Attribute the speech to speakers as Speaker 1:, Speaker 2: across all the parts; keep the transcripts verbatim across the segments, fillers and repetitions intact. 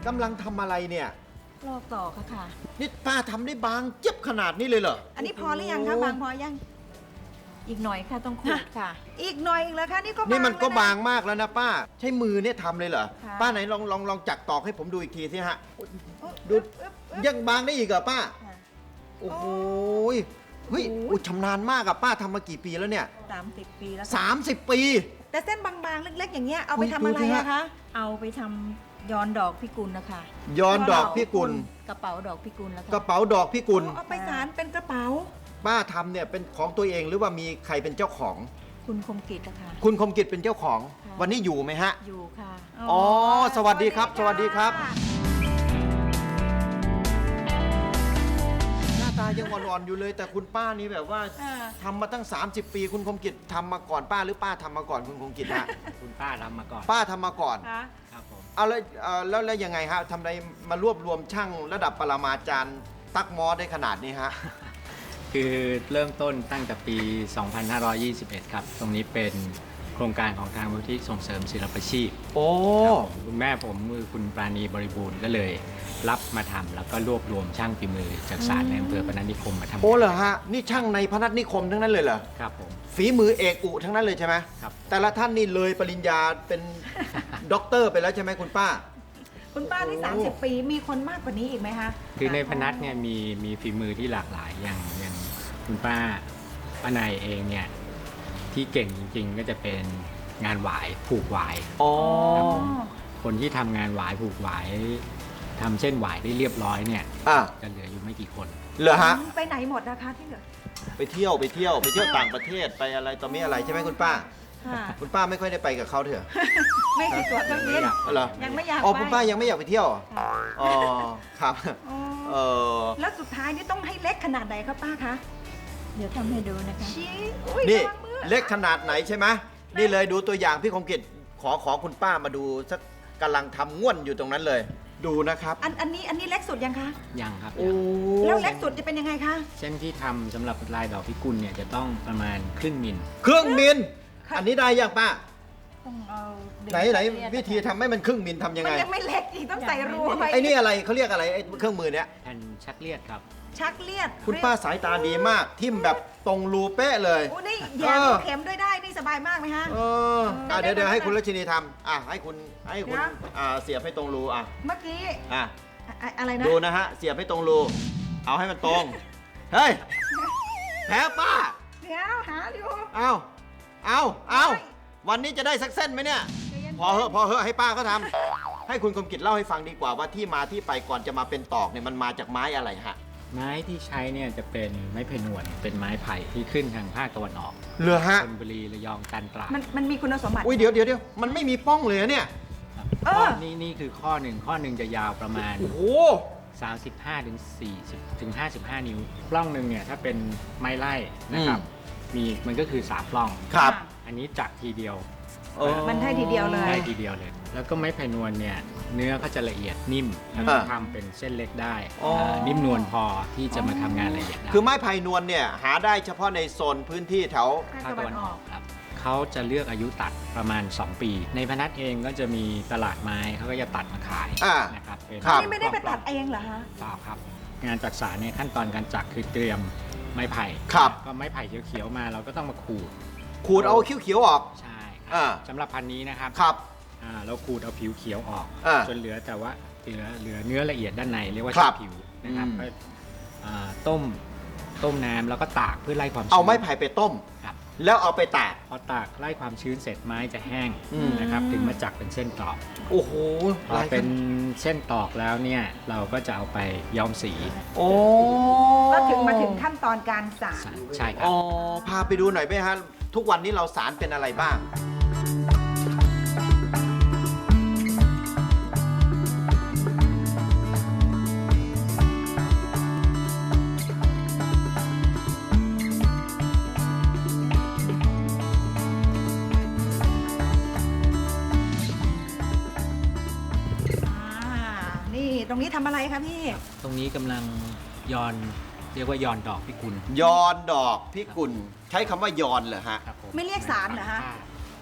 Speaker 1: กำลังทำอะไรเนี่ย
Speaker 2: ลอกต่อค่ะค่ะ
Speaker 1: นี่ป้าทำได้บางเจ็บขนาดนี้เลยเหรอ
Speaker 3: อันนี้พอหรือยังคะบางพอยัง
Speaker 2: อีกหน่อยค่ะต้องขูดค่ะ
Speaker 3: อีกหน่อยอีกแล้วคะนี่ก็บาง
Speaker 1: นี่มันก็
Speaker 3: แล้วะ
Speaker 1: บางมากแล้วนะป้า ใช้มือเนี่ยทำเลยเหรอ
Speaker 2: ค่ะ
Speaker 1: ป้าไหนลองลองลองจักตอกให้ผมดูอีกทีสิฮะ ดู
Speaker 3: อึ๊บอึ๊บอึ๊บ
Speaker 1: ยังบางได้อีกเหรอป้า
Speaker 2: ค่ะ
Speaker 1: โอ้โหยเฮ้ยอุ๊ยชำนาญมากอะป้าทำมากี่ปีแล้วเนี่ย
Speaker 2: สามสิบปีแล้วค่ะ
Speaker 1: สามสิบปี
Speaker 3: แต่เส้นบางๆเล็กๆ อย่างเงี้ยเอาไป
Speaker 1: อุ๊ย
Speaker 3: ทำอะไร
Speaker 1: ดูสิฮะ
Speaker 3: อะคะ
Speaker 2: เอาไปทำย้อนดอกพิกุลนะคะ
Speaker 1: ย้อนดอกพี่กุล
Speaker 2: กระเป๋าดอกพิกุลแล้ว
Speaker 1: ก
Speaker 2: ค่ะ
Speaker 1: ระเป๋าดอกพี่กุล
Speaker 3: เอาไปสารเป็นกระเป๋า
Speaker 1: ป้าทำเนี่ยเป็นของตัวเองหรือว่ามีใครเป็นเจ้าของ
Speaker 2: คุณคมกิจนะคะ
Speaker 1: คุณคมกิจเป็นเจ้าของ
Speaker 2: ค่ะ
Speaker 1: วันนี้อยู่ไหมฮะ
Speaker 2: อยู่ค่ะ
Speaker 1: อ๋อสวัสดีครับสวัสดีครับ หน้าตายังอ่อนๆอยู่เลย แต่คุณป้านี่แบบว่า
Speaker 3: อ่า
Speaker 1: ทำมาตั้ง สามสิบ ปี คุณคมกิจทำมาก่อนป้าหรือป้าทำมาก่อนคุณคมกิจฮะ
Speaker 4: คุณป้าทำมาก่อน
Speaker 1: ป้าทำมาก่อน
Speaker 3: คะ
Speaker 4: ครับผม
Speaker 1: เอาแล้วเอ่อแล้วแล้วยังไงฮะทำไมมารวบรวมช่างระดับปรมาจารย์ตักมอได้ขนาดนี้ฮะ
Speaker 4: คือเริ่มต้นตั้งแต่ปี สองพันห้าร้อยยี่สิบเอ็ด ครับ ตรงนี้เป็นโครงการของทางมูลที่ส่งเสริมศิลปาชีพ
Speaker 1: โอ้
Speaker 4: ครับผมคุณแม่ผมคือคุณปราณีบริบูรณ์ก็เลยรับมาทำแล้วก็รวบรวมช่างฝีมือจากศาลในอำเภอพนัสนิคมมาทำ
Speaker 1: โอ้เหรอฮะ นี่ช่างในพนัสนิคมทั้งนั้นเลยเหรอ
Speaker 4: ครับผม
Speaker 1: ฝีมือเอกอุทั้งนั้นเลยใช่ไหม
Speaker 4: ครับ
Speaker 1: แต่ละท่านนี่เลยปริญญาเป็นด็อกเตอร์ไปแล้วใช่ไหมคุณป้า
Speaker 3: คุณป้าที่
Speaker 1: โอ้
Speaker 3: สามสิบ ปีมีคนมากกว่านี้อีกไหมคะ
Speaker 4: คือในพนัสเนี่ยมีมีฝีมือที่หลากหลายอย่างอย่างคุณป้าป้านายเองเนี่ยที่เก่งจริงๆ ก็จะเป็นงานหวายผูกหวาย
Speaker 1: อ๋อ
Speaker 4: ครับผม คนที่ทำงานหวายผูกหวายทำเส้นหวายได้เรียบร้อยเนี่ย
Speaker 1: อ่ะ
Speaker 4: จะเหลืออยู่ไม่กี่คน
Speaker 1: เหรอฮะ
Speaker 3: ไปไหนหมดนะคะที่เหลือ
Speaker 1: ไปเที่ยวไปเที่ยวไปเที่ยวต่างประเทศไปอะไรต่อมีอะไรใช่ไหมคุณป้า
Speaker 3: ค่ะ
Speaker 1: คุณป้าไม่ค่อยได้ไปกับเขาเถอะ
Speaker 3: ไม่ติดตัวเครื่องบิน
Speaker 1: อ๋อเหรอ
Speaker 3: ยังไม่อยาก
Speaker 1: อ๋อ
Speaker 3: ไป
Speaker 1: คุณป้ายังไม่อยากไปเที่ยวเหรออ๋อครับ
Speaker 3: อ๋อ
Speaker 1: เออ
Speaker 3: แล้วสุดท้ายนี่ต้องให้เล็กขนาดไหนครับป้าคะ
Speaker 2: เดี๋ยวทำให้ดูนะคะ
Speaker 3: ชี้อุ้ย
Speaker 1: นี่
Speaker 3: ระวังมือ
Speaker 1: เล็กขนาดไหนใช่ไหมนี่เลยดูตัวอย่างพี่คมกิจขอขอคุณป้ามาดูสักกำลังทำง่วนอยู่ตรงนั้นเลย ดูนะครับ
Speaker 3: อันอันนี้อันนี้เล็กสุดยังคะ
Speaker 4: ยังครับ
Speaker 1: โอ้
Speaker 3: แล้วเล็กสุดจะเป็นยังไงคะ
Speaker 4: เส้นที่ทำสำหรับลายดอกพิกุลเนี่ยจะต้องประมาณครึ่งมิล
Speaker 1: เครื่องมิล
Speaker 3: ค่ะ
Speaker 1: อันนี้ได้ยังป้า
Speaker 2: ต้องเอาดึง
Speaker 1: ไหนไหน
Speaker 2: เรียก
Speaker 1: วิธีทำให้มันครึ่งมิลทำยัง
Speaker 3: มั
Speaker 1: ไง
Speaker 3: นยังไม่เล็กอีกต้องใส่รูไว้
Speaker 1: ไอ้นี่อะไรเขาเรียกอะไรไอ้เครื่องมือเนี้ย
Speaker 4: แผ่นชักเลียดครับ
Speaker 3: ชักเลียด
Speaker 1: คุณป้าสายตาดีมาก ทิ่มแบบตรงรูเป๊ะเลย
Speaker 3: โอ้นี่แย่
Speaker 1: เออ
Speaker 3: เข็มด้วยได้นี่สบายมากไหมฮะ
Speaker 1: เอออ่ะเดี๋ยวเดี๋ยวให้คุณรัชนีทำอ่ะให้คุณให้คุณ
Speaker 3: นะ
Speaker 1: อ่าเสียบให้ตรงรูอ่ะ
Speaker 3: เมื่อกี้
Speaker 1: อ่ะ
Speaker 3: อะอะไรนะ
Speaker 1: ดูนะฮะเสียบให้ตรงรูเอาให้มันตรงเฮ้ยแพ้ป้า
Speaker 3: เดี๋ยวหาอยู่
Speaker 1: เอาเอาเอา
Speaker 3: ไม่
Speaker 1: วันนี้จะได้สักเส้นไหมเนี่ย
Speaker 3: ใจย็นๆ
Speaker 1: พอเหอะพอเหอะให้ป้าเขาทำให้คุณคมกิจเล่าให้ฟังดีกว่าว่าที่มาที่ไปก่อนจะมาเป็นตอกเนี่ยมันมาจากไม้อะไรฮะ
Speaker 4: ไม้ที่ใช้เนี่ยจะเป็นไม้ไผ่หนวดเป็นไม้ไผ่ที่ขึ้นทางภาคตะวันออก
Speaker 1: เหลือฮะ
Speaker 4: ชลบุรีระยองจันทร์ตราด
Speaker 3: มันมันมีคุณสมบัติ
Speaker 1: อุ้ยเดี๋ยวเดี๋ยวเดี๋ยวมันไม่มีป้องเลยอะเนี่ย
Speaker 4: ครับ
Speaker 3: เออ
Speaker 4: ข้อนี่นี่คือข้อหนึ่งข้อหนึ่งจะยาวประมาณ
Speaker 1: โอ้โห
Speaker 4: สามสิบห้าถึงสี่สิบถึงห้าสิบห้า นิ้วปล้องหนึ่งเนี่ยถ้าเป็นไม้ไล่นะครับมีมันก็คือสามปล้อง
Speaker 1: ครับ
Speaker 4: อันนี้จักทีเดียว
Speaker 1: เออ
Speaker 3: มันได้ทีเดียวเลย
Speaker 4: ได้ทีเดียวเลย แล้วก็ไม้ไผ่นวลเนี่ยเนื้อก็จะละเอียดนิ่มแล้วก็ทำเป็นเส้นเล็กได้
Speaker 1: อ๋ออ่
Speaker 4: านิ่มนวลพอที่จะมาทำงานละเอียดได้
Speaker 1: คือไม้ไผ่นวลเนี่ยหาได้เฉพาะในโซนพื้นที่แถว
Speaker 3: ภาค
Speaker 4: ภาค
Speaker 3: ตะ
Speaker 4: ตะ
Speaker 3: วั
Speaker 4: วัน น
Speaker 3: อ
Speaker 4: อ
Speaker 3: อ
Speaker 4: อก กครับเขาจะเลือกอายุตัดประมาณ สอง ปี ในพนัสเองก็จะมีตลาดไม้เขาก็จะตัดมาขาย
Speaker 1: อ่า
Speaker 4: นะครับเป็น
Speaker 1: ครับ
Speaker 3: นี่ไม่ได้ไปตัดเองเหรอฮะ
Speaker 4: เปล่าครับ งานจักสานเนี่ยขั้นตอนการจักคือเตรียมไม้ไผ่
Speaker 1: ครับ
Speaker 4: ก็ไม้ไผ่เขียวๆมาเราก็ต้องมาขูด
Speaker 1: ขูดเอาเขียวๆออก
Speaker 4: ใช่ค
Speaker 1: อ่า
Speaker 4: รับสำหรับพันธุ์นี้นะครับ
Speaker 1: ครับ
Speaker 4: อ่าเราขูดเอาผิวเขียวออก
Speaker 1: อ่า
Speaker 4: จนเหลือแต่ว่าเหลือเหลือเนื้อละเอียดด้านในเรียกว่า
Speaker 1: ครั
Speaker 4: ชั้
Speaker 1: บ
Speaker 4: นผิวนะครับ
Speaker 1: อืม
Speaker 4: ก็อ่าต้มต้มน้ำแล้วก็ตากเพื่อไล่ความชื้น
Speaker 1: เอาไม้ไผ่ไปต้ม
Speaker 4: ครับ
Speaker 1: แล้วเอาไปตาก
Speaker 4: พอตากไล่ความชื้นเสร็จไม้จะแห้ง
Speaker 1: อืม
Speaker 4: นะครับถึงมาจักเป็นเส้นตอก
Speaker 1: โอ้โห
Speaker 4: พอเป็นเส้นตอกแล้วเนี่ยเราก็จะเอาไปย้อมสี
Speaker 1: โอ้
Speaker 3: ก็ถึงมาถึงขั้นตอนการสาร
Speaker 4: ใช่ครั
Speaker 1: อ๋
Speaker 4: บ
Speaker 1: อพาไปดูหน่อยไหมฮะทุกวันนี้เราสารเป็นอะไรบ้าง
Speaker 3: อ่านี่ตรงนี้ทำอะไรคะพี่
Speaker 4: ตรงนี้กำลังย้อนเรียกว่าย้อนดอกพิกุล
Speaker 1: ยอนดอกพิกุลใช้คำว่ายอนเหรอฮะ
Speaker 4: ครับผม
Speaker 3: ไม่เรียกสารเหรอฮะ
Speaker 4: ผ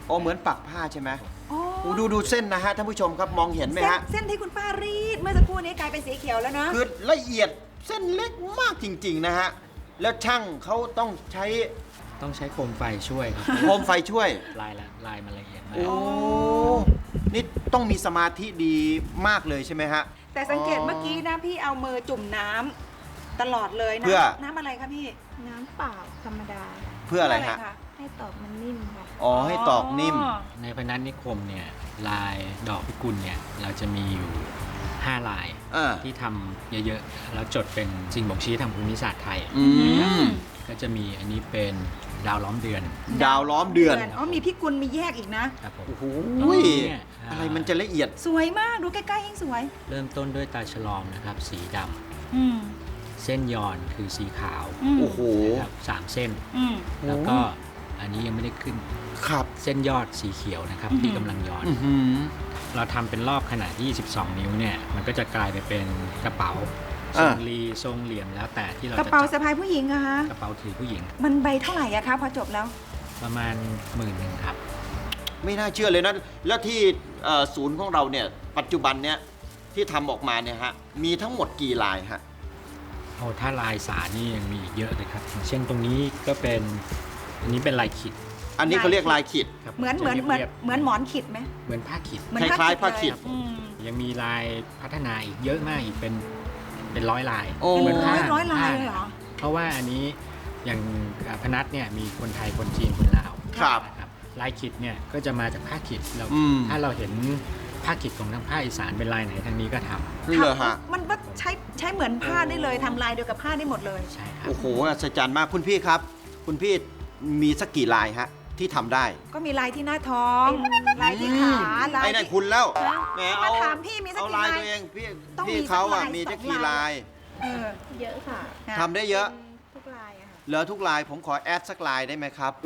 Speaker 1: อ๋อเหมือนปักผ้าใช่ไหม
Speaker 3: อ๋อ
Speaker 1: โอ้ดูดูเส้นนะฮะท่านผู้ชมครับมองเห็นไหม
Speaker 3: เส้น
Speaker 1: ฮะ
Speaker 3: เส้นที่คุณป้ารีดเมื่อสักครู่นี้กลายเป็นสีเขียวแล้วเนาะ
Speaker 1: คือละเอียดเส้นเล็กมากจริง ๆ นะฮะ แล้วช่างเขาต้องใช้
Speaker 4: ต้องใช้โคมไฟช่วยครับ
Speaker 1: โคมไฟช่วย
Speaker 4: ลายละลายมันละเอียดมาก
Speaker 1: โอ้ นี่ต้องมีสมาธิดีมากเลยใช่ไหมฮะ
Speaker 3: แต่สังเกตเมื่อกี้นะพี่เอามือจุ่มน้ำตลอดเลยนะ
Speaker 1: เพื่อ
Speaker 3: น้ำอะไรคะพี่
Speaker 2: น้ำเปล่าธรรมดา
Speaker 1: เพื่ออะไรฮะ
Speaker 2: ให้ตอกมันนิ่มค่ะ
Speaker 1: อ๋อ ให้ตอกนิ่ม
Speaker 4: ในพนัสนิคมเนี่ยลายดอกพิกุลเนี่ยเราจะมีอยู่ห้าลาย
Speaker 1: อ่า
Speaker 4: ที่ทำเยอะๆ แล้วจดเป็นสิ่งบ่งชี้ทางภูมิศาสตร์ไทย
Speaker 1: อืม
Speaker 4: ก็จะมีอันนี้เป็นดาวล้อมเดือน
Speaker 1: ดาวล้อมเดือน
Speaker 3: อ๋อมีพี่กุลมีแยกอีกนะ
Speaker 4: ครับผม
Speaker 1: โอ้โห
Speaker 4: ตรงนี้เนี่ยอ่า
Speaker 1: อะไรมันจะละเอียด
Speaker 3: สวยมากดูใกล้ๆยิ่งสวย
Speaker 4: เริ่มต้นด้วยตาฉลอมนะครับสีดำ
Speaker 3: อืม
Speaker 4: เส้นยอนคือสีขาว
Speaker 3: อืม
Speaker 1: โอ้โห
Speaker 4: นะครับสามเส้น
Speaker 3: อืม
Speaker 4: แล้วก็อันนี้ยังไม่ได้ขึ้น
Speaker 1: ครับ
Speaker 4: เส้นยอดสีเขียวนะครับ
Speaker 3: อือหือ
Speaker 4: ที่กำลังย้อน
Speaker 1: อือหือ
Speaker 4: เราทำเป็นรอบขนาดยี่สิบสอง นิ้วเนี่ยมันก็จะกลายไปเป็นกระเป๋าท
Speaker 1: อ่า
Speaker 4: รงรีทรงเหลี่ยมแล้วแต่ที่เรา
Speaker 3: กระ
Speaker 4: จะ
Speaker 3: เป๋า
Speaker 4: จั
Speaker 3: สะพายผู้หญิงอะคะ
Speaker 4: กระเป๋าถือผู้หญิง
Speaker 3: มันใบเท่าไหร่อะคะพอจบแล้ว
Speaker 4: ประมาณหมื่นหนึ่งครับ
Speaker 1: ไม่น่าเชื่อเลยนะ แล้วที่เอ่อศูนย์ของเราเนี่ย ปัจจุบันเนี่ยที่ทำออกมาเนี่ยฮะ มีทั้งหมดกี่ลายฮะ
Speaker 4: โอ้ถ้าลายสารนี่ยังมีอีกเยอะเลยครับอย่างเช่นตรงนี้ก็เป็นอันนี้เป็นลายขิด
Speaker 1: อันนี้เขาเรียกลายขีด
Speaker 4: ครับ
Speaker 3: เหมือน
Speaker 4: จะ
Speaker 3: เหมือนเหมือน
Speaker 4: รียบ
Speaker 3: เหมือนหมอนขิดไหม
Speaker 4: เหมือนผ้าขิด
Speaker 3: เหมือน
Speaker 1: คล้ายๆผ้าขิด
Speaker 3: เลยอืม
Speaker 4: ยังมีลายพัฒนาอีกเยอะมากอีกเป็นเป็นร้อยลาย
Speaker 1: โอ้
Speaker 3: เป็
Speaker 4: เหมื
Speaker 3: น
Speaker 4: น
Speaker 3: ร้
Speaker 4: ผ้า
Speaker 3: อยร้อยลาย
Speaker 4: ผ้
Speaker 3: เลยเหรอ
Speaker 4: เพราะว่าอันนี้อย่างอ่าพนัสเนี่ยมีคนไทยคนจีนคนลาว
Speaker 1: ครับ
Speaker 4: นะครับลายขิดเนี่ยก็จะมาจากผ้าขิดเรา
Speaker 1: อืม
Speaker 4: ถ้าเราเห็นผ้าขิดของทางภาคอีสานเป็นลายไหนทางนี้ก็ทำ
Speaker 1: นี่เลยฮะ
Speaker 3: มันก็ใช้ใช้เหมือนผ้าได้เลยทำลายเดียวกับผ้าได้หมดเลย
Speaker 4: ใช่ครับ
Speaker 1: โอ้โหอัศจรรย์มากคุณพี่ครับ คุณพี่มีสักกี่ลายฮะ ที่ทำได้
Speaker 3: ก็มีลายที่หน้าท้อง ลายที่ขา ลาย
Speaker 1: ไอ้นั่น
Speaker 3: ที่
Speaker 1: คุณแล้วแหม
Speaker 3: มา
Speaker 1: เอา
Speaker 3: ถามพี่มีสัก
Speaker 1: เอา
Speaker 3: กี่
Speaker 1: ลาย
Speaker 3: ลาย
Speaker 1: ตัวเองพี่
Speaker 3: ต้องมี
Speaker 1: พี่เขาอ่ะ
Speaker 3: สักลาย
Speaker 1: มี
Speaker 3: สอง
Speaker 1: จะกี่
Speaker 3: ลาย
Speaker 1: ลาย
Speaker 3: เออ
Speaker 2: เยอะค่ะ
Speaker 1: ทำได้เยอะ
Speaker 2: ทุกลายอะค่ะ
Speaker 1: เหลือทุกลายผมขอแอดสักลายได้ไหมครับ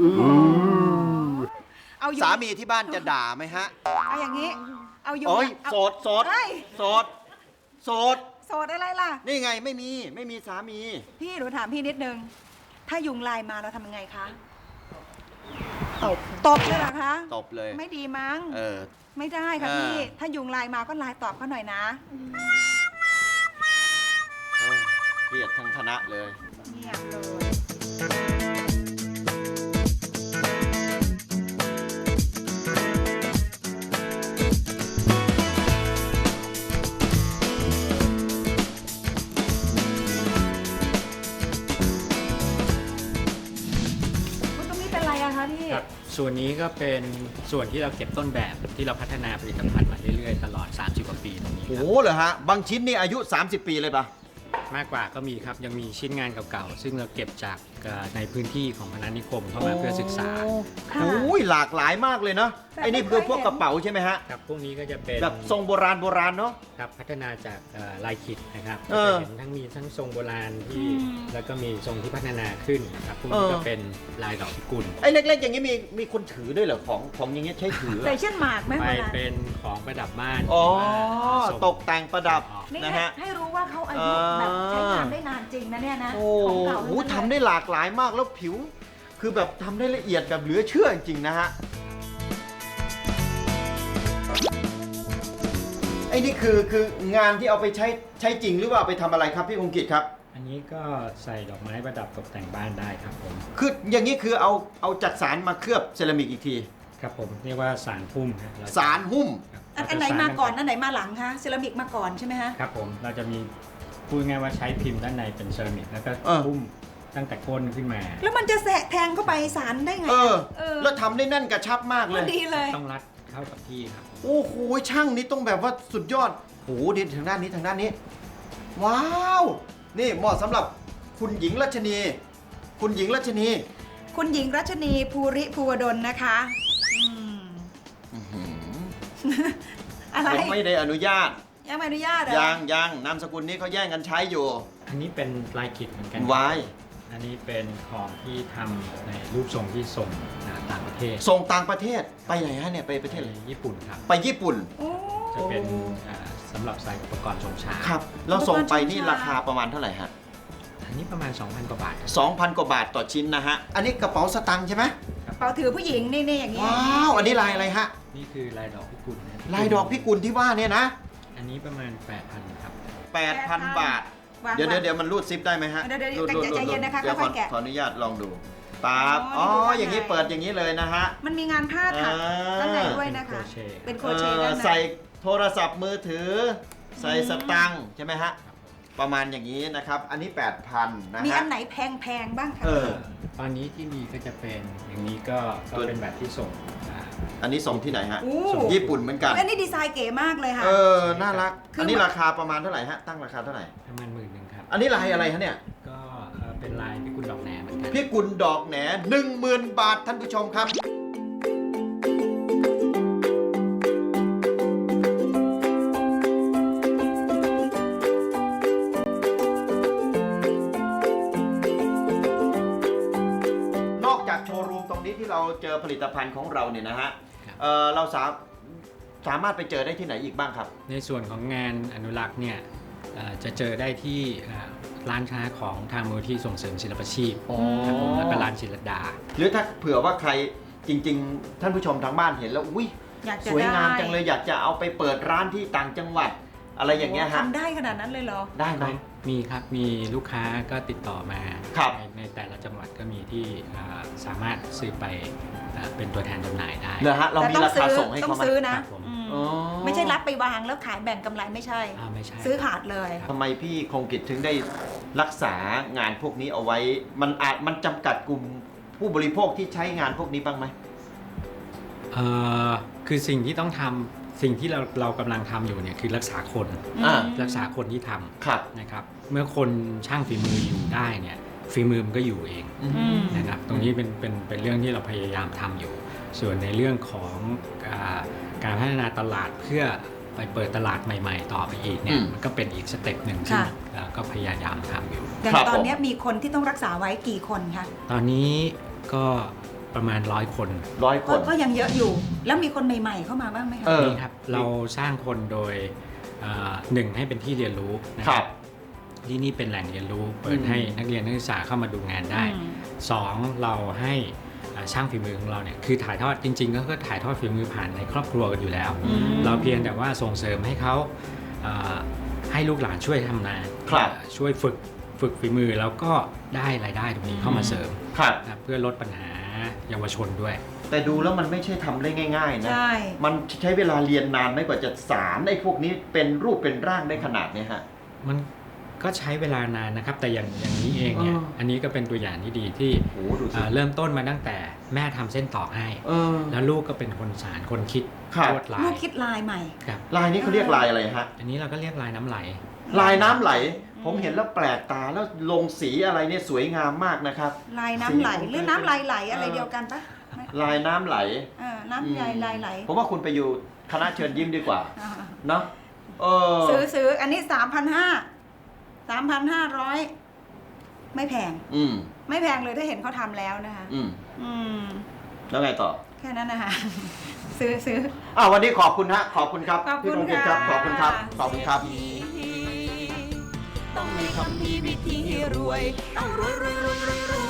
Speaker 3: เอาอยู่
Speaker 1: สามีที่บ้านจะด่าไหมฮะ
Speaker 3: เอาอย่างนี้ เอาอยู่
Speaker 1: โอ้ย
Speaker 3: เอา
Speaker 1: โสดโสด
Speaker 3: เอ้ย
Speaker 1: โสดโสด
Speaker 3: โสดอะไรล่ะ
Speaker 1: นี่ไงไม่มีไม่มีสามี
Speaker 3: พี่หนูถามพี่นิดนึง ถ้ายุงลายมาเราทำยังไงคะ
Speaker 2: ตบ
Speaker 3: ตบเลยเหรอคะ
Speaker 1: ตบเลย
Speaker 3: ไม่ดีมั้ง
Speaker 1: เออ
Speaker 3: ไม่ได้ค่ะ
Speaker 1: เออ
Speaker 3: พี่ ถ้ายุงลายมาก็ลายตอบเขาหน่อยนะ
Speaker 1: เออเครียดทั้งคณะเลย
Speaker 3: เงียบเลย คุณตรงนี้เป็นอะไรอะคะพี่
Speaker 4: ครับส่วนนี้ก็เป็นส่วนที่เราเก็บต้นแบบที่เราพัฒนาผลิตภัณฑ์มาเรื่อยๆ ตลอด สามสิบ กว่าปีตรงนี้ค
Speaker 1: โอ้
Speaker 4: รับ
Speaker 1: โหเหรอฮะ บางชิ้นนี่อายุ สามสิบ ปีเลยปะ
Speaker 4: มากกว่าก็มีครับ ยังมีชิ้นงานเก่าๆ ซึ่งเราเก็บจากเอ่อในพื้นที่ของพนัสนิคมเข้ามาเพื่อศึกษา
Speaker 3: ค่ะ
Speaker 1: โอ้ยหลากหลายมากเลยเนาะ
Speaker 3: แต่
Speaker 1: ไอ้นี่
Speaker 3: ไม่
Speaker 1: คือ
Speaker 3: เคย
Speaker 1: พวก
Speaker 3: เห็น
Speaker 1: กระเป๋าใช่ไหมฮะ
Speaker 4: ครับพวกนี้ก็จะเป็น
Speaker 1: แบบทรงโบราณโบราณเนาะ
Speaker 4: ครับพัฒนาจากเอ่อลายขิดนะครับ
Speaker 1: เอ
Speaker 4: ก็
Speaker 1: อ
Speaker 4: จะเห็นทั้งมีทั้งทรงโบราณที่
Speaker 3: อืม
Speaker 4: แล้วก็มีทรงที่พัฒนาขึ้นนะครับพวกนี้
Speaker 1: เออ
Speaker 4: ก็เป็นลายดอกพิกุล
Speaker 1: ไอ้เล็กๆ อย่างนี้มีมีคนถือด้วยเหรอของของอย่างเงี้ยใช้ถือเหร
Speaker 3: ใส่
Speaker 1: อ
Speaker 3: เช่นหมากไหม
Speaker 4: ไป
Speaker 3: เวลา
Speaker 4: เป็นของประดับบ้าน
Speaker 1: อ๋อ
Speaker 4: ส่ง
Speaker 1: ตกแต่งประดับ
Speaker 4: ออก
Speaker 3: นี่
Speaker 1: นะ
Speaker 3: ให้
Speaker 1: ฮะ
Speaker 3: ให้รู้ว่าเขาอายุ
Speaker 1: อ่า
Speaker 3: แบบใช้งานได้นานจริงนะเนี่ยนะ
Speaker 1: โอ้
Speaker 3: ของเก่า
Speaker 1: โห
Speaker 3: ทั้งนั้นเลย
Speaker 1: ทำได้หลากหลายมากแล้วผิว คือแบบทำได้ละเอียดแบบเหลือเชื่อจริงๆนะฮะ ไอ้นี่คือคืองานที่เอาไปใช้ใช้จริงหรือว่าเอาไปทำอะไรครับพี่คงกิจครับ
Speaker 4: อันนี้ก็ใส่ดอกไม้ประดับตกแต่งบ้านได้ครับผม
Speaker 1: คืออย่างนี้คือเอาเอาจัดสารมาเคลือบเซรามิกอีกที
Speaker 4: ครับผมเรียกว่าสารพุ่มครับเจะ
Speaker 1: สารหุ้ม
Speaker 4: ครับ
Speaker 3: อัน
Speaker 4: เร
Speaker 3: อัน
Speaker 4: จะ
Speaker 3: ไหนมาก่อน
Speaker 4: สร
Speaker 3: อันไหนมาหลังคะเซรามิกมาก่อนใช่ไหมฮะ
Speaker 4: ครับผมเราจะมีพูดง่ายว่าใช้พิมพ์ด้านในเป็นเซรามิกแล้วก็
Speaker 1: เออ
Speaker 4: พุ่มตั้งแต่ก้นขึ้นมา
Speaker 3: แล้วมันจะแสะแทงเข้าไปสารได้ไง
Speaker 1: เออ
Speaker 3: เออ
Speaker 1: แล้วทำได้แน่นกระชับมากเล
Speaker 3: พ
Speaker 1: ย
Speaker 3: อดีเลย
Speaker 4: ต้องรัดเข้ากับที่ครับ
Speaker 1: โอ้โหช่างนี่ต้องแบบว่าสุดยอดโหดีทางด้านนี้ทางด้านนี้ ว้าว นี่เหมาะสำหรับคุณหญิงรัชนี คุณหญิงรัชนี
Speaker 3: คุณหญิงรัชนีภูริภูวดลนะคะอืมอะไร
Speaker 1: ผมไม่ได้อนุญาต
Speaker 3: ยังไม่อนุญาตเหรอ
Speaker 1: ยังยังนามสกุลนี้เขาแย่งกันใช้อยู่
Speaker 4: อันนี้เป็นลายขิดเหมือนกัน
Speaker 1: วาย
Speaker 4: อันนี้เป็นของที่ทำในรูปทรงที่ส่งต่างประเทศ
Speaker 1: ส่งต่างประเทศไปไหนฮะเนี่ยไปประเทศอะไร
Speaker 4: ญี่ปุ่นครับ
Speaker 1: ไปญี่ปุ่น
Speaker 3: โอ้
Speaker 4: จะเป็นอ่าสำหรับใส่อุปกรณ์ชงชา
Speaker 1: ครับแล้วส่งไปนี่ราคาประมาณเท่าไหร่ฮะ
Speaker 4: อันนี้ประมาณ สองพัน กว่าบาท
Speaker 1: สองพัน กว่าบาทต่อชิ้นนะฮะ อันนี้กระเป๋าสตางค์ใช่ไหม
Speaker 4: ครับ
Speaker 3: เป๋าถือผู้หญิงนี่นี่อย่างนี้
Speaker 1: ว้าว อันนี้ลายอะไรฮะ
Speaker 4: นี่คือลายดอกพิกุลนะ
Speaker 1: ลายดอกพิกุลที่ว่าเนี่ยนะ
Speaker 4: อันนี้ประมาณ แปดพัน ครับ
Speaker 1: แปดพัน บาท
Speaker 3: วาง
Speaker 1: เดี๋ยว
Speaker 3: วาง
Speaker 1: เดี๋ยวมันรูดซิปได้ไหมฮะ
Speaker 3: เดี๋ยวเดี๋ยว
Speaker 1: รูดรูด
Speaker 3: ใจเย็นนะคะ
Speaker 1: เดี๋ยวข
Speaker 3: ค่
Speaker 1: อ
Speaker 3: อยๆแกะ
Speaker 1: ขออนุญาตลองดูปั๊บ
Speaker 3: อ๋
Speaker 1: อ๋
Speaker 3: อ
Speaker 1: อ
Speaker 3: นี่ดู
Speaker 1: อย่างนี้
Speaker 3: ข้างใน
Speaker 1: เปิดอย่างนี้เลยนะฮะ
Speaker 3: มันมีงานผ้าถัก
Speaker 1: อ่า
Speaker 3: ด้านในด้วยนะคะ เป็นโครเชต์ด้าน
Speaker 1: เออ
Speaker 3: ใน
Speaker 1: ใส่โทรศัพท์มือถือ ใส่สตังค์ใช่ไหมฮะ ประมาณอย่างนี้นะครับ อันนี้ แปดพัน นะ
Speaker 3: มี
Speaker 1: ฮะ
Speaker 3: อันไหนแพงๆบ้างคะ
Speaker 1: เออ
Speaker 4: ตอนนี้ที่มีก็จะเป็นอย่างนี้ก็ก็
Speaker 1: ตัว
Speaker 4: เป็นแบบที่ส่งอ่า
Speaker 1: อันนี้ส่งที่ไหนฮะ
Speaker 3: อู้
Speaker 1: ส่งญี่ปุ่นเหมือนกัน
Speaker 3: อันนี้ดีไซน์เก๋มากเลยค่ะ
Speaker 1: เออ น่ารัก
Speaker 3: คืออั
Speaker 1: อันนี้ราคาประมาณเท่าไหร่ฮะ ตั้งราคาเท่าไหร่
Speaker 4: ประมาณหมื่นหนึ่งครับ
Speaker 1: อันนี้ลายอะไรฮะเนี่ย
Speaker 4: ก็เอ่อเป็นลายพิกุลดอกแหนเหมือนกัน
Speaker 1: พี่กุลดอกแหนหนึ่งหมื่นบาทท่านผู้ชมครับ นอกจากโชว์รูมตรงนี้ที่เราเจอผลิตภัณฑ์ของเราเนี่ยนะฮะ
Speaker 4: ครับ
Speaker 1: เอ่อเราสาสามารถไปเจอได้ที่ไหนอีกบ้างครับ
Speaker 4: ในส่วนของงานอนุรักษ์เนี่ยเอ่อจะเจอได้ที่เอ่อร้านค้าของทางมูลที่ส่งเสริมศิลปาชีพ
Speaker 1: อ๋อ
Speaker 4: ครับผมแล้วก็ร้านศิลดา
Speaker 1: หรือถ้าเผื่อว่าใครจริง ๆ ท่านผู้ชมทางบ้านเห็นแล้วอุ้ย
Speaker 3: อยากจะ
Speaker 1: สวยงาม
Speaker 3: ได้
Speaker 1: จังเลยอยากจะเอาไปเปิดร้านที่ต่างจังหวัด อะไรอย่างเงี้ยฮะ
Speaker 3: ทำได้ขนาดนั้นเลยเหรอ
Speaker 1: ได้ไหม
Speaker 4: มีครับ มีลูกค้าก็ติดต่อมา
Speaker 1: ครับ
Speaker 4: ในในแต่ละจังหวัดก็มีที่อ่าสามารถซื้อไปอ่าเป็นตัวแทนจำหน่ายได้
Speaker 1: เหรอฮะเรามีราคาส่งให้
Speaker 3: ต้อ
Speaker 1: เขา
Speaker 3: ง
Speaker 1: ไหม
Speaker 3: ซื้อนะ
Speaker 4: ครับผม
Speaker 3: อืม
Speaker 1: อ๋อ
Speaker 3: ไม่ใช่รับไปวางแล้วขายแบ่งกำไรไม่ใช่
Speaker 4: อ่าไม่ใช่
Speaker 3: ซื้อขาดเลย
Speaker 1: ทำไมพี่คงกิจถึงได้รักษางานพวกนี้เอาไว้ มันอาจมันจำกัดกลุ่มผู้บริโภคที่ใช้งานพวกนี้บ้างไหม
Speaker 4: เอ่อคือสิ่งที่ต้องทำสิ่งที่เราเรากำลังทำอยู่เนี่ยคือรักษาคน
Speaker 1: อ่า
Speaker 4: รักษาคนที่ทำ
Speaker 1: ครับ
Speaker 4: นะครับ เมื่อคนช่างฝีมืออยู่ได้เนี่ยฝีมือมันก็อยู่เอง
Speaker 1: อืม
Speaker 3: อืม
Speaker 4: นะครับ ตรงนี้เป็นเป็นเป็นเรื่องที่เราพยายามทำอยู่ ส่วนในเรื่องของอาการพัฒนาตลาดเพื่อไปเปิดตลาดใหม่ ๆ ต่อไปอีกเนี่
Speaker 1: อื
Speaker 4: ย
Speaker 1: ม
Speaker 4: มันก็เป็นอีกสเต็ปหนึ่งที่
Speaker 3: ค่ะ
Speaker 4: เอ่อก็พยายามทำอยู่
Speaker 3: อย่าง
Speaker 1: ครับ
Speaker 3: ตอน
Speaker 1: ผม
Speaker 3: เนี้ยมีคนที่ต้องรักษาไว้กี่คนคะ
Speaker 4: ตอนนี้ก็ประมาณร้อยคน
Speaker 1: ร้อยค
Speaker 3: ก็
Speaker 1: น
Speaker 3: ก็ยังเยอะอยู่ แล้วมีคนใหม่ ๆ เข้ามาบ้างไหมคะ
Speaker 1: เออ
Speaker 4: นี่ครับเราสร้างคนโดยเอ่อหนึ่งให้เป็นที่เรียนรู้นะ
Speaker 1: ค
Speaker 4: ค
Speaker 1: รั
Speaker 4: รั
Speaker 1: บบ
Speaker 4: ที่นี่เป็นแหล่งเรียนรู้เปิ
Speaker 1: อื
Speaker 4: ด
Speaker 1: ม
Speaker 4: ให้นักเรียนนักศึกษาเข้ามาดูงานได้
Speaker 3: อืม
Speaker 4: สองเราให้อ่าช่างฝีมือของเราเนี่ยคือถ่ายทอดจริงๆ ก็คือถ่ายทอดฝีมือผ่านในครอบครัวกันอยู่แล้ว
Speaker 3: อืม
Speaker 4: เราเพียงแต่ว่าส่งเสริมให้เขาอ่าให้ลูกหลานช่วยทำนา
Speaker 1: ครับ
Speaker 4: อ่าช่วยฝึกฝึกฝีมือแล้วก็ได้รายได้ตรงนี้เข้ามาเสริม
Speaker 1: ครับ
Speaker 4: นะครับเพื่อลดปัญหาเยาวชนด้วย
Speaker 1: แต่ดูแล้วมันไม่ใช่ทำได้ง่ายๆนะ
Speaker 3: ใช่
Speaker 1: มันใช้เวลาเรียนนานไหม่กว่าจะสารไอ้พวกนี้เป็นรูปเป็นร่างได้ขนาดเนี้ยฮะ
Speaker 4: มันก็ใช้เวลานานนะครับ แต่อย่างอย่างนี้เองเนี่ย
Speaker 1: อ๋ออั
Speaker 4: อันนี้ก็เป็นตัวอย่างที่ดีที่
Speaker 1: โอ้ดูสิ
Speaker 4: อ่าเริ่มต้นมาตั้งแต่แม่ทำเส้นตอกให้
Speaker 1: เออ
Speaker 4: แล้วลูกก็เป็นคนสารคนคิด
Speaker 1: ครับ
Speaker 4: ลวดลา
Speaker 3: ลู
Speaker 4: ย
Speaker 3: กคิดลายใหม่
Speaker 4: ครับ
Speaker 1: ลายนี้เขาเรียกลายอะไรฮะ
Speaker 4: อันนี้เราก็เรียกลายน้ำไหล
Speaker 1: ลายน้ำไหล ผมเห็นแล้วแปลกตาแล้วลงสีอะไรเนี่ยสวยงามมากนะครับ
Speaker 3: ลายน้ำไหล
Speaker 1: สี
Speaker 3: หรือน้ำลายไหลอะไรเดียวกันปะ
Speaker 1: ลายน้ำไหล
Speaker 3: เออน้ำลายลายไหล
Speaker 1: ผมว่าคุณไปอยู่คณะเชิญยิ้มดีกว่า
Speaker 3: อ่า
Speaker 1: เนาะเออ
Speaker 3: ซื้อซื้ออันนี้สามพันห้าสามพันห้าร้อยไม่แพง
Speaker 1: อืม
Speaker 3: ไม่แพงเลยถ้าเห็นเขาทำแล้วนะคะ
Speaker 1: อืม
Speaker 3: อืม
Speaker 1: แล้วไงต่อ
Speaker 3: แค่นั้นนะคะ ซื้อซื้อ
Speaker 1: อ่าวันนี้ขอบคุณฮะ ขอบคุณครับ
Speaker 3: ขอบคุณ
Speaker 1: พี่คงกิจครับ
Speaker 3: ค่ะ
Speaker 1: ขอบคุณครับ ขอบคุณครับ
Speaker 5: ต้องมีคำพีวิธีรวย ต้องรวยรวยรวยรวยรวย